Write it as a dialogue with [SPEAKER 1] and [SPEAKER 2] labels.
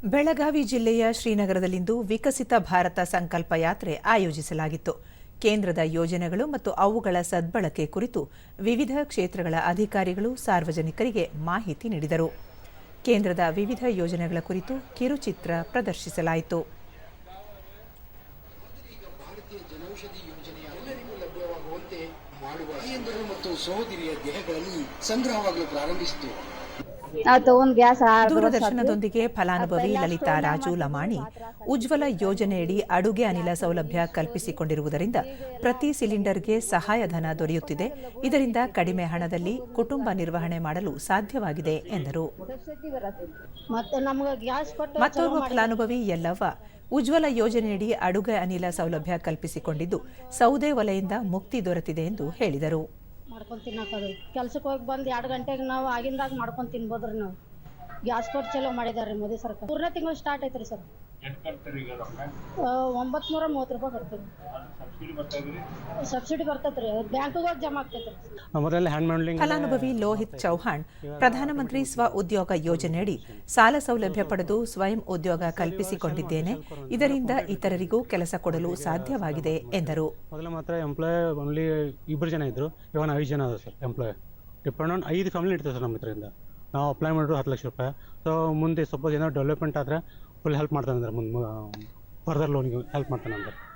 [SPEAKER 1] ಬೆಳಗಾವಿ ಜಿಲ್ಲೆಯ ಶ್ರೀನಗರದಲ್ಲಿಂದು ವಿಕಸಿತ ಭಾರತ ಸಂಕಲ್ಪ ಯಾತ್ರೆ ಆಯೋಜಿಸಲಾಗಿತ್ತು. ಕೇಂದ್ರದ ಯೋಜನೆಗಳು ಮತ್ತು ಅವುಗಳ ಸದ್ಬಳಕೆ ಕುರಿತು ವಿವಿಧ ಕ್ಷೇತ್ರಗಳ ಅಧಿಕಾರಿಗಳು ಸಾರ್ವಜನಿಕರಿಗೆ ಮಾಹಿತಿ ನೀಡಿದರು. ಕೇಂದ್ರದ ವಿವಿಧ ಯೋಜನೆಗಳ ಕುರಿತು ಕಿರುಚಿತ್ರ ಪ್ರದರ್ಶಿಸಲಾಯಿತು. ದೂರದರ್ಶನದೊಂದಿಗೆ ಫಲಾನುಭವಿ ಲಲಿತಾ ರಾಜು ಲಮಾಣಿ ಉಜ್ವಲ ಯೋಜನೆಯಡಿ ಅಡುಗೆ ಅನಿಲ ಸೌಲಭ್ಯ ಕಲ್ಪಿಸಿಕೊಂಡಿರುವುದರಿಂದ ಪ್ರತಿ ಸಿಲಿಂಡರ್ಗೆ ಸಹಾಯಧನ ದೊರೆಯುತ್ತಿದೆ. ಇದರಿಂದ ಕಡಿಮೆ ಹಣದಲ್ಲಿ ಕುಟುಂಬ ನಿರ್ವಹಣೆ ಮಾಡಲು ಸಾಧ್ಯವಾಗಿದೆ ಎಂದರು. ಮತ್ತೋರ್ವ ಫಲಾನುಭವಿ ಯಲ್ಲವ್ವ ಉಜ್ವಲ ಯೋಜನೆಯಡಿ ಅಡುಗೆ ಅನಿಲ ಸೌಲಭ್ಯ ಕಲ್ಪಿಸಿಕೊಂಡಿದ್ದು ಸೌದೆ ಒಲೆಯಿಂದ ಮುಕ್ತಿ ದೊರೆತಿದೆ ಎಂದು ಹೇಳಿದರು.
[SPEAKER 2] ಮಾಡ್ಕೊಂಡು ತಿನ್ನೋದು ಕೆಲ್ಸಕ್ಕೆ ಹೋಗಿ ಬಂದು 2 ಗಂಟೆಗೆ ನಾವು ಆಗಿಂದಾಗ ಮಾಡ್ಕೊಂಡು ತಿನ್ಬೋದ್ರಿ. ನಾವು ಗ್ಯಾಸ್ ಕೊಟ್ಟು ಚಲೋ ಮಾಡಿದಾರೆ ಮೋದಿ ಸರ್ಕಾರ. 3ನೇ ತಿಂಗಳು ಸ್ಟಾರ್ಟ್ ಐತ್ರಿ ಸರ್. 930 ರೂಪಾಯಿ ಬರ್ತದೆ. ಸಬ್ಸಿಡಿ ಬರ್ತೈತ್ರಿ, ಬ್ಯಾಂಕಿಗೆ ಹೋಗಿ ಜಮಾ ಆಗ್ತೈತ್ರಿ.
[SPEAKER 1] ಫಲಾನುಭವಿ ಲೋಹಿತ್ ಚೌಹಾಣ್ ಪ್ರಧಾನಮಂತ್ರಿ ಸ್ವ ಉದ್ಯೋಗ ಯೋಜನೆಯಡಿ ಸಾಲ ಸೌಲಭ್ಯ ಪಡೆದು ಸ್ವಯಂ ಉದ್ಯೋಗ ಕಲ್ಪಿಸಿಕೊಂಡಿದ್ದೇನೆ. ಇದರಿಂದ ಇತರರಿಗೂ ಕೆಲಸ ಕೊಡಲು ಸಾಧ್ಯವಾಗಿದೆ ಎಂದರು.
[SPEAKER 3] ಮೊದಲ ಮಾತ್ರ ಎಂಪ್ಲಾಯ್ ಓನ್ಲಿ 2 ಜನ ಇದ್ರು, ಇವಾಗ 5 ಜನ ಅದ sir. Employ depend on 5 family ಇರ್ತದೆ ಸರ್. ನಮ್ಮ ಇದರಿಂದ ನಾವು ಅಪ್ಲೈ ಮಾಡಿದ್ರು 10 ಲಕ್ಷ ರೂಪಾಯಿ. ಸೊ ಮುಂದೆ ಸಪೋಸ್ ಏನೋ ಡೆವಲಪ್ಮೆಂಟ್ ಆದರೆ ಫುಲ್ ಹೆಲ್ಪ್ ಮಾಡ್ತಾನೆ ಅಂದ್ರೆ ಮುಂದೆ ಫರ್ದರ್ ಲೋನ್ಗೆ ಹೆಲ್ಪ್ ಮಾಡ್ತಾನೆ ಅಂದ್ರೆ